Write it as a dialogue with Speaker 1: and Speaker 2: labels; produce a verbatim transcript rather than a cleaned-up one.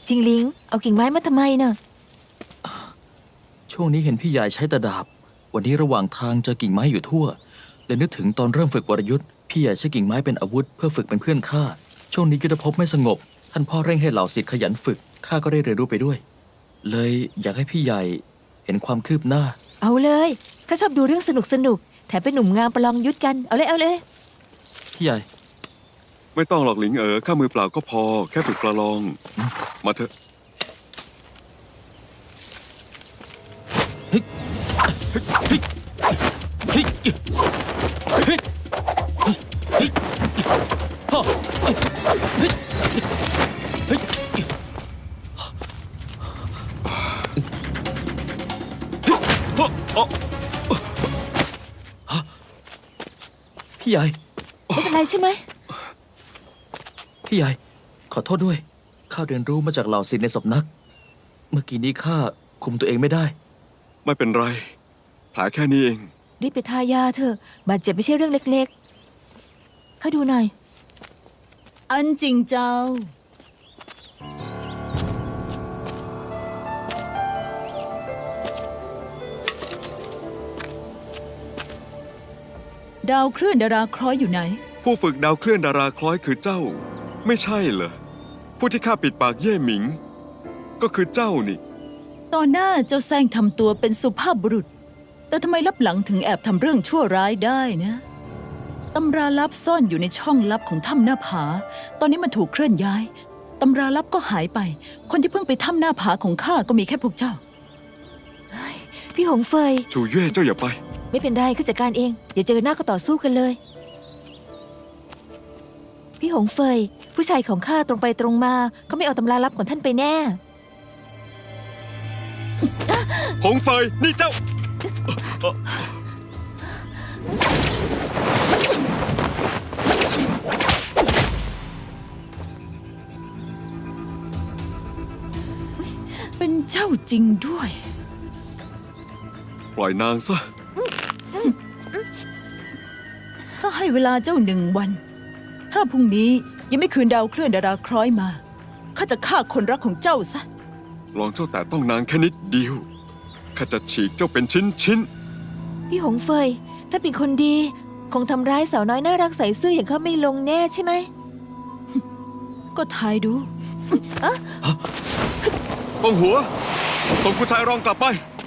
Speaker 1: จิงหลิงเอากิ่งไม้มาทำไมเน่ะ
Speaker 2: ช่วงนี้เห็นพี่ใหญ่ใช้แต่ดาบวันนี้ระหว่างทางเจอกิ่งไม้อยู่ทั่วเลยนึกถึงตอนเริ่มฝึกวรยุทธ์พี่ใหญ่ใช้กิ่งไม้เป็นอาวุธเพื่อฝึกเป็นเพื่อนข้าช่วงนี้ยุทธภพไม่สงบท่านพ่อเร่งให้เหล่าศิษย์ขยันฝึกข้าก็ได้เรียนรู้ไปด้วยเลยอยากให้พี่ใหญ่เห็นความคืบหน้า
Speaker 1: เอาเลยข้าชอบดูเรื่องสนุกสนุกแถมเป็นหนุ่มงามประลองยุทธกันเอาเลยเอาเลย
Speaker 2: พี่ใหญ่
Speaker 3: ไม่ต้องหรอกหลิงเอ๋อข้ามือเปล่าก็พอแค่ฝึกประลองมาเถอะ
Speaker 2: เฮ้ยเฮ้ยเฮ้ยเฮ้ยเฮ้ยฮ่าเฮ้ยเฮ้ยเฮ้ยพี่ใหญ่
Speaker 1: ไม่เป็นไรใช่ไหม
Speaker 2: พี่ใหญ่ขอโทษด้วยข้าเรียนรู้มาจากเหล่าศิษย์ในสำนักเมื่อกี้นี้ข้าคุมตัวเองไม่ได้
Speaker 3: ไม่เป็นไรแผลแค่นี้เอง
Speaker 1: รีบไปทายาเถอะบาดเจ็บไม่ใช่เรื่องเล็กๆข้าดูหน่อย
Speaker 4: อันจริงเจ้าดาวเคลื่อนดาราคล้อยอยู่ไหน
Speaker 3: ผู้ฝึกดาวเคลื่อนดาราคล้อยคือเจ้าไม่ใช่เหรอผู้ที่ข้าปิดปากเย่หมิงก็คือเจ้านี่
Speaker 4: ตอนหน้าเจ้าแซงทำตัวเป็นสุภาพบุรุษแต่ทำไมลับหลังถึงแอบทำเรื่องชั่วร้ายได้นะตำราลับซ่อนอยู่ในช่องลับของถ้ำหน้าผาตอนนี้มันถูกเคลื่อนย้ายตำราลับก็หายไปคนที่เพิ่งไปถ้ำหน้าผาของข้าก็มีแค่พวกเจ้า
Speaker 1: พี่หงเฟย
Speaker 3: ชูเย่เจ้าอย่าไป
Speaker 1: ไม่เป็นไรข้าจัดการเองอย่าเจอหน้าก็ต่อสู้กันเลยพี่หงเฟยผู้ชายของข้าตรงไปตรงมาเขาไม่เอาตำราลับของท่านไปแน่
Speaker 3: หงเฟยนี่เจ้า
Speaker 4: เป็นเจ้าจริงด้วย
Speaker 3: ปล่อยนางซะ
Speaker 4: ข้าให้เวลาเจ้าหนึ่งวันถ้าพรุ่งนี้ยังไม่คืนดาวเคลื่อนดาราคล้อยมาข้าจะฆ่าคนรักของเจ้าซะ
Speaker 3: ลองเจ้าแต่ต้องนางแค่นิดเดียวข้าจะฉีกเจ้าเป็นชิ้นชิ้น
Speaker 1: พี่หงเฟยถ้าเป็นคนดีคงทำร้ายสาวน้อยน่ารักใส่ซื่ออย่างเขาไม่ลงแน่ใช่ไหม
Speaker 4: ก็ทายดู
Speaker 3: กองหัวส่งคุณชายรองกลับไป